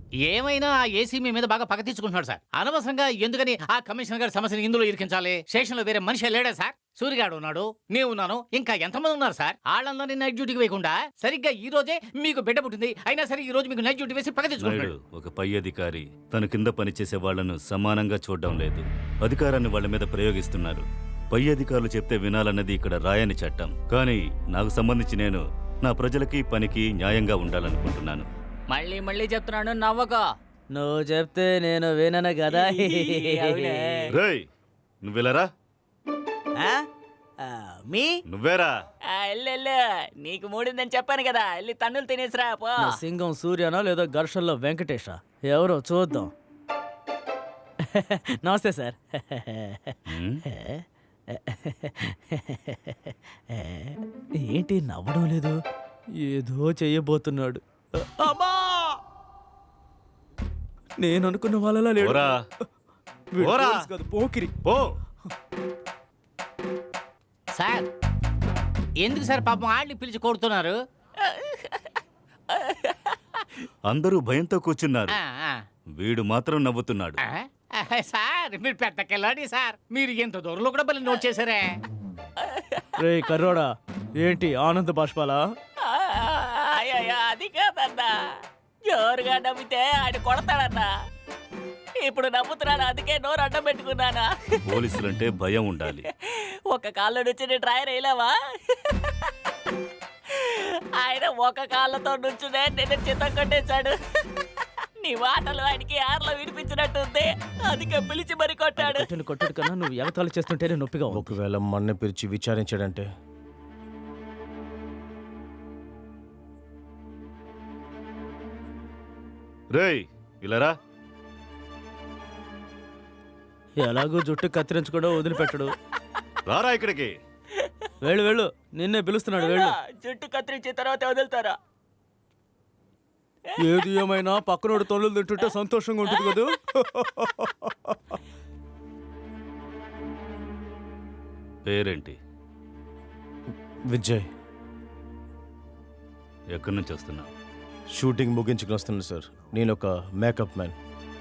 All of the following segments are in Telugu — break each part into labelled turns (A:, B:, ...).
A: ఏమైనా ఆ ఏసీ మీ మీద బాగా పగ తీర్చుకుంటున్నాడు సార్. అనవసరంగా ఎందుకని ఆ కమిషనర్ గారి సమస్యని ఇందులో ఇరికించాలి? స్టేషన్లో వేరే మనిషి లేడా సార్? సూర్యగాడు ఉన్నాడు, నేనున్నాను, ఇంకా ఎంతమంది ఉన్నారు సార్? వాళ్ళందరినీ నైట్ డ్యూటీకి వేయకుండా సరిగ్గా ఈ రోజే మీకు బిడ్డ పుట్టింది, అయినా సరే ఈ రోజు మీకు నైట్ డ్యూటీ వేసి పగ తెచ్చుకుంటున్నాడు.
B: ఒక పై అధికారి తన కింద పనిచేసే వాళ్లను సమానంగా చూడడం లేదు, అధికారాన్ని వాళ్ళ మీద ప్రయోగిస్తున్నారు. పై అధికారులు చెప్తే వినాలన్నది ఇక్కడ రాయని చట్టం. కానీ నాకు సంబంధించి నేను నా ప్రజలకి పనికి న్యాయంగా ఉండాలనుకుంటున్నాను.
C: మళ్ళీ మళ్ళీ చెప్తున్నాను, నవ్వకో.
D: నువ్వు చెప్తే నేను వినను కదా.
B: రేయ్ నువ్వెలరా,
D: మీ
B: నువ్వేరా.
C: ఎల్లెల్లు, నీకు మూడిందని చెప్పాను కదా, వెళ్ళి తన్నులు తినేసిరా పో.
D: సింగం సూర్యనా లేదా ఘర్షణలో వెంకటేషా? ఎవరో చూద్దాం. నమస్తే సార్. ఏంటి నవ్వడం లేదు? ఏదో చెయ్యబోతున్నాడు. అమ్మా! నేను అనుకున్న వాళ్ళలా లేడు. వీడు పోలీస్ కాదు, పోకిరి.
B: పో.
A: సార్ ఎందుకు సార్ పాపం ఆడిని పిలిచి కొడుతున్నారు?
B: అందరూ భయంతో కూర్చున్నారు,
A: ఆ, ఆ.
B: వీడు మాత్రం నవ్వుతున్నాడు.
A: సార్ మీరు పెద్ద కెళ్ళాడి సార్, మీరు ఎంత దూరంలో కూడా బలి నోట్ చేశారే.
D: రే కర్రోడా, ఏంటి ఆనంద బాష్పాలా?
C: అయ్యో అది కాదన్నా, జోరుగా నవ్వితే ఆయన కొడతాడన్నా. ఇప్పుడు నవ్వుతున్నాను, అందుకే నోరు అడ్డం పెట్టుకున్నానా.
B: పోలీసులంటే భయం ఉండాలి.
C: ఒక కాళ్ళ నుంచి నేను డ్రైవర్ వేయలేవా? ఆయన ఒక కాళ్ళతో నుంచునే నేను చిత్తం కొట్టేశాడు. నీ మాటలు ఆయనకి ఆర్లో వినిపించినట్టుంది, అందుకే పిలిచి మరి కొట్టాడు.
D: కొట్టడు కన్నా నువ్వు ఎగతాళి చేస్తుంటేనే నొప్పిగా.
E: ఒకవేళ మన్న పిలిచి విచారించాడంటే?
B: రేయ్ ఇలారా.
D: ఎలాగో జుట్టు కత్తిరించకుండా వదిలిపెట్టడు.
B: రారా ఇక్కడికి.
D: వెళ్ళు వెళ్ళు, నిన్నే పిలుస్తున్నాడు, వెళ్ళు.
C: జుట్టు కత్తిరించిన తర్వాత వదులుతారా?
D: ఏది ఏమైనా పక్కనోడు తొలలు తింటుంటే సంతోషంగా ఉంటుంది కదా.
B: పేరేంటి?
E: విజయ్.
B: ఎక్కడి నుంచి వస్తున్నావు?
E: షూటింగ్ ముగించుకుని వస్తున్నాను సార్. నేను ఒక మేకప్ మ్యాన్.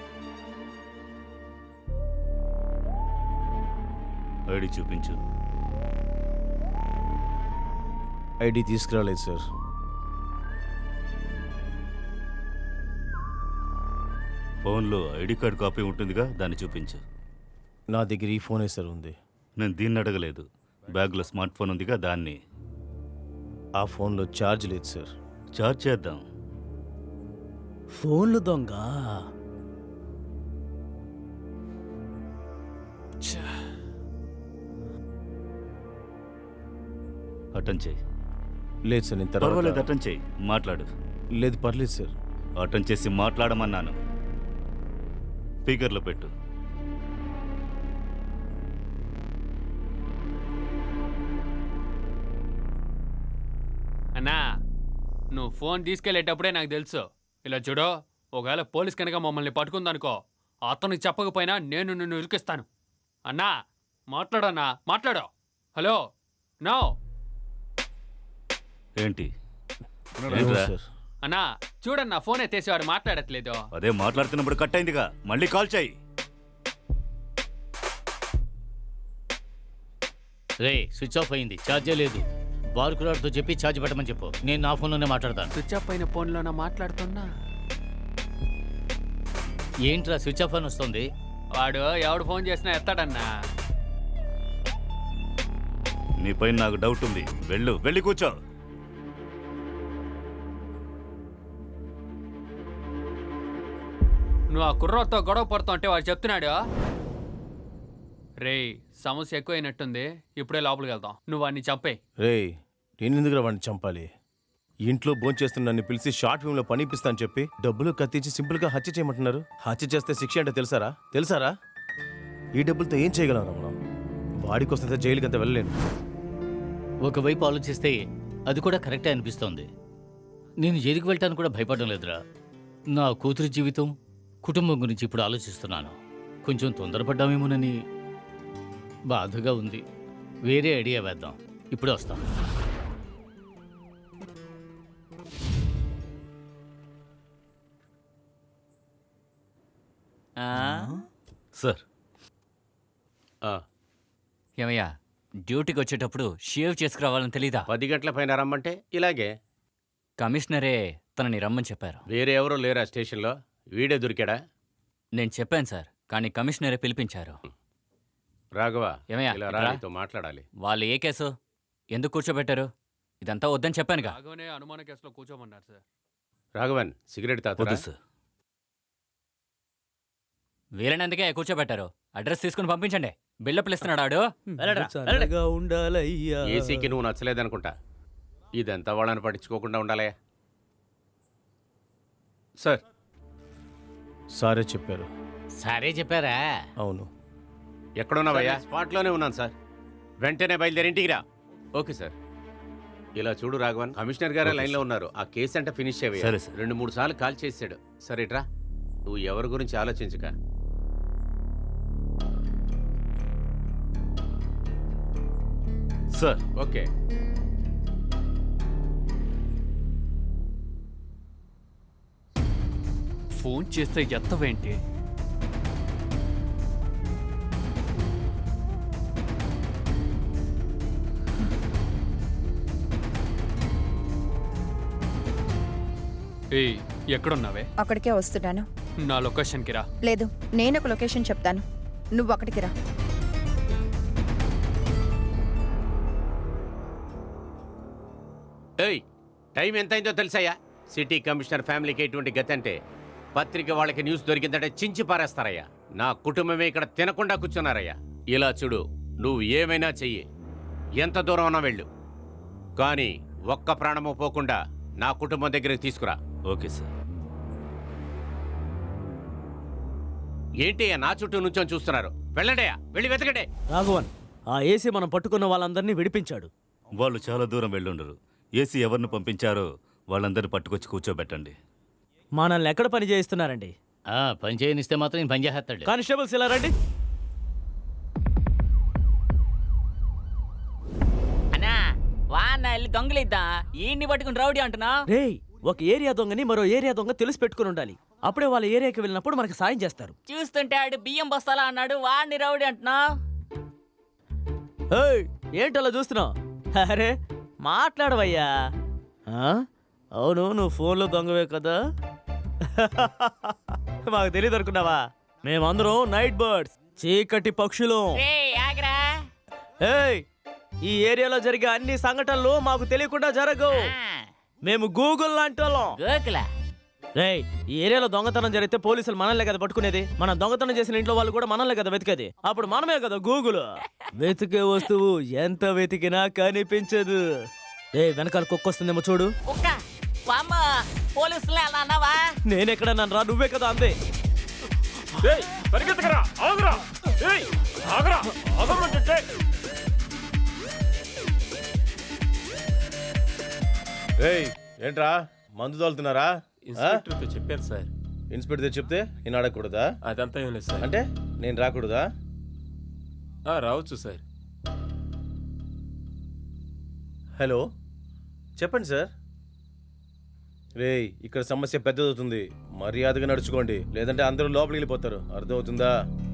B: ఐడి చూపించు.
E: ఐడి తీసుకురాలేదు సార్.
B: ఫోన్లో ఐడి కార్డ్ కాపీ ఉంటుందిగా, దాన్ని చూపించు.
E: నా దగ్గర ఈ ఫోనే సార్ ఉంది.
B: నేను దీన్ని అడగలేదు, బ్యాగ్లో స్మార్ట్ ఫోన్ ఉందిగా దాన్ని.
E: ఆ ఫోన్లో ఛార్జ్ లేదు సార్.
B: చార్జ్ చేద్దాం.
D: ఫోన్లు దొంగ.
B: అటెండ్ చేయి.
E: లేదు సార్, నేను
B: పర్వాలేదు,
E: తర్వాత.
B: అటెండ్ చేయి, మాట్లాడు.
E: లేదు పర్లేదు సార్.
B: అటెండ్ చేసి మాట్లాడమన్నాను. స్పీకర్లో పెట్టు.
F: అన్నా, నువ్వు ఫోన్ తీసుకెళ్లేటప్పుడే నాకు తెలుసు. ఇలా చూడు, ఒకవేళ పోలీస్ కనుక మమ్మల్ని పట్టుకుందనుకో, అతనికి చెప్పకపోయినా నేను నిన్ను ఇరికిస్తాను. అన్నా మాట్లాడన్నా, మాట్లాడు. Hello, no.
B: ఏంటి?
E: అవును సార్.
F: అన్నా చూడన్నా, ఫోన్ ఎత్తేసేవాడు మాట్లాడట్లేదు.
B: అదే మాట్లాడుతున్నప్పుడు కట్ అయిందిగా, మళ్ళీ కాల్ చేయి.
A: రే స్విచ్ ఆఫ్ అయింది, ఛార్జే లేదు. బార్కులాడ్తో చెప్పి ఛార్జ్ పెట్టమని చెప్పు, నేను నా ఫోన్లోనే మాట్లాడతాను.
F: స్విచ్ ఆఫ్ అయిన ఫోన్లోనా మాట్లాడుతున్నా?
A: ఏంట్రా స్విచ్ ఆఫ్ అని వస్తుంది?
F: వాడు ఎవడు ఫోన్ చేసినా ఎత్తాడన్నా.
B: నీపైన నాకు డౌట్ ఉంది, వెళ్ళు, వెళ్ళి కూర్చో.
F: నువ్వు ఆ కుర్రోతో గొడవ పడుతూ అంటే వాడు చెప్తున్నాడు. రేయ్ సమస్య ఎక్కువైనట్టుంది, ఇప్పుడే లోపలికి వెళ్తాం. నువ్వు వాడిని చంపే.
E: రేయ్, నేను ఎందుకు వాడిని చంపాలి? ఇంట్లో భోంచేస్తున్న నన్ను పిలిచి షార్ట్ ఫిల్మ్లో పని ఇప్పిస్తా అని చెప్పి డబ్బులు కత్తించి సింపుల్గా హత్య చేయమంటున్నారు. హత్య చేస్తే శిక్ష అంటే తెలుసారా? ఈ డబ్బులతో ఏం చేయగలరా మనం? వాడి కోసం జైలుకి అంత వెళ్ళలేను.
A: ఒకవైపు ఆలోచిస్తే అది కూడా కరెక్టే అనిపిస్తోంది. నేను జైలుకి వెళ్ళటానికి కూడా భయపడడం లేదురా. నా కూతురి జీవితం, కుటుంబం గురించి ఇప్పుడు ఆలోచిస్తున్నాను. కొంచెం తొందరపడ్డామేమోనని బాధగా ఉంది. వేరే ఐడియా వేద్దాం, ఇప్పుడే వస్తాం.
B: సార్
G: ఏమయ్యా డ్యూటీకి వచ్చేటప్పుడు షేవ్ చేసుకురావాలని తెలీదా?
H: 10 గంటల పైన రమ్మంటే ఇలాగే.
G: కమిషనరే తనని రమ్మని చెప్పారు.
H: వేరే ఎవరో లేరా స్టేషన్లో? వీడే దొరికాడా?
G: నేను చెప్పాను సార్, కానీ కమిషనరే పిలిపించారు.
H: రాఘవ,
G: ఏమయ్యా,
H: ఇలా
G: ఇట్రా.
H: రానితో మాట్లాడాలి.
G: వాళ్ళు ఏ కేసు ఎందుకు కూర్చోబెట్టారు? ఇదంతా వద్దని చెప్పానుగా.
F: రాఘవనే అనుమాన కేసులో కూర్చోమన్నారు సార్.
H: రాఘవన్, సిగరెట్ తాతరా?
B: వద్దు సార్.
G: వీలైనందుకే కూర్చోబెట్టారు. అడ్రస్ తీసుకుని పంపించండి. బిల్డప్లు ఇస్తున్నాడు ఆడు.
D: చల్లగా ఉండాలయ్యా.
H: ఏసీకి నువ్వు నచ్చలేదనుకుంటా. ఇదంతా వాళ్ళని పట్టించుకోకుండా ఉండాలే. సార్,
E: సారే చెప్పారు.
A: సరే చెప్పారా?
E: అవును.
H: ఎక్కడున్నావయ్యా? స్పాట్లోనే ఉన్నాను సార్. వెంటనే బయలుదేరి ఇంటికి రా. Okay sir. ఇలా చూడు రాఘవన్, కమిషనర్ గారే లైన్లో ఉన్నారు. ఆ కేసు అంటే ఫినిష్
B: సరే,
H: అయ్యాయి.
B: సార్.
H: 2-3 సార్లు కాల్ చేసాడు. సరే ఇట్రా. నువ్వు ఎవరి గురించి ఆలోచించక.
B: Sir
H: okay.
F: ఫోన్ చేస్తే ఎత్తవేంటి? ఏయ్, ఎక్కడున్నావే?
I: అక్కడికే వస్తున్నాను.
F: నా లొకేషన్కి రా.
I: లేదు, నేను ఒక లొకేషన్ చెప్తాను, నువ్వు అక్కడికి రా.
H: ఏయ్, టైం ఎంతైందో తెలుసాయా? సిటీ కమిషనర్ ఫ్యామిలీకి ఎటువంటి గతి అంటే పత్రిక వాళ్ళకి న్యూస్ దొరికిందంటే చించి పారేస్తారయ్యా. నా కుటుంబమే ఇక్కడ తినకుండా కూర్చున్నారయ్యా. ఇలా చూడు, నువ్వు ఏమైనా చెయ్యి, ఎంత దూరం అన్నా వెళ్ళు, కానీ ఒక్క ప్రాణము పోకుండా నా కుటుంబం దగ్గరికి తీసుకురా.
B: Okay sir.
H: ఏంటయ్యా నా చుట్టూ నుంచొని చూస్తున్నారు? వెళ్ళండియా, వెళ్ళి వెతకండి.
D: రాఘవన్, ఆ ఏసీ మనం పట్టుకున్న వాళ్ళందరినీ విడిపించాడు.
B: వాళ్ళు చాలా దూరం వెళ్ళుండరు. ఏసీ ఎవరిని పంపించారో వాళ్ళందరినీ పట్టుకొచ్చి కూర్చోబెట్టండి.
D: మనల్ని ఎక్కడ పని చేయిస్తున్నారండి?
A: పని చేయనిస్తే మాత్రం నేను పని చేస్తాడు.
D: కానిస్టేబుల్స్ ఇలా రండి.
C: అన్నా వాన్న వెళ్ళి దొంగలిద్దా, ఈయన్ని పట్టుకుని రౌడీ అంటున్నా.
D: రేయ్, ఒక ఏరియా దొంగని మరో ఏరియా దొంగ తెలిసి పెట్టుకుని ఉండాలి. అప్పుడే వాళ్ళ ఏరియాకి వెళ్ళినప్పుడు మనకి సాయం చేస్తారు.
C: చూస్తుంటే ఆడు బియ్యం బస్తాలా అన్నాడు, వాడిని రౌడీ అంటున్నా.
D: ఏయ్, ఏంటలా చూస్తున్నావు? అరే మాట్లాడవయ్యా. అవును, నువ్వు ఫోన్లో దొంగవే కదా? మాకు తెలియదు అనుకున్నావా? మేమందరం నైట్ బర్డ్స్, చీకటి పక్షులు.
C: రేయ్ ఆగ్రా.
D: ఏయ్, ఈ ఏరియాలో జరిగే అన్ని సంఘటనలు మాకు తెలియకుండా జరగవు. మేము గూగుల్ లాంటి వాళ్ళం.
C: గోకుల
D: రేయ్, ఈ ఏరియాలో దొంగతనం జరిగితే పోలీసులు మనల్నే కదా పట్టుకునేది. మనం దొంగతనం చేసిన ఇంట్లో వాళ్ళు కూడా మనల్నే కదా వెతికేది. అప్పుడు మనమే కదా గూగుల్. వెతికే వస్తువు ఎంత వెతికినా కనిపించదు. రేయ్, వెనకాల కుక్క వస్తుందేమో చూడు.
C: కుక్క వామ్మ, పోలీసులే అలా అన్నావా?
D: నేనెక్కడ నన్ను రా, నువ్వే కదా అందే.
E: ఏయ్, ఏంట్రా మందు తోలుతున్నారా?
J: ఇన్స్పెక్టర్తో చెప్పారు సార్.
E: ఇన్స్పెక్టర్ చెప్తే నేను అడగకూడదా?
J: అదంతా ఏం లేదు సార్.
E: అంటే నేను రాకూడదా?
J: రావచ్చు సార్.
E: హలో, చెప్పండి సార్. రేయ్, ఇక్కడ సమస్య పెద్దదవుతుంది. మర్యాదగా నడుచుకోండి, లేదంటే అందరూ లోపలికి వెళ్ళిపోతారు. అర్థమవుతుందా?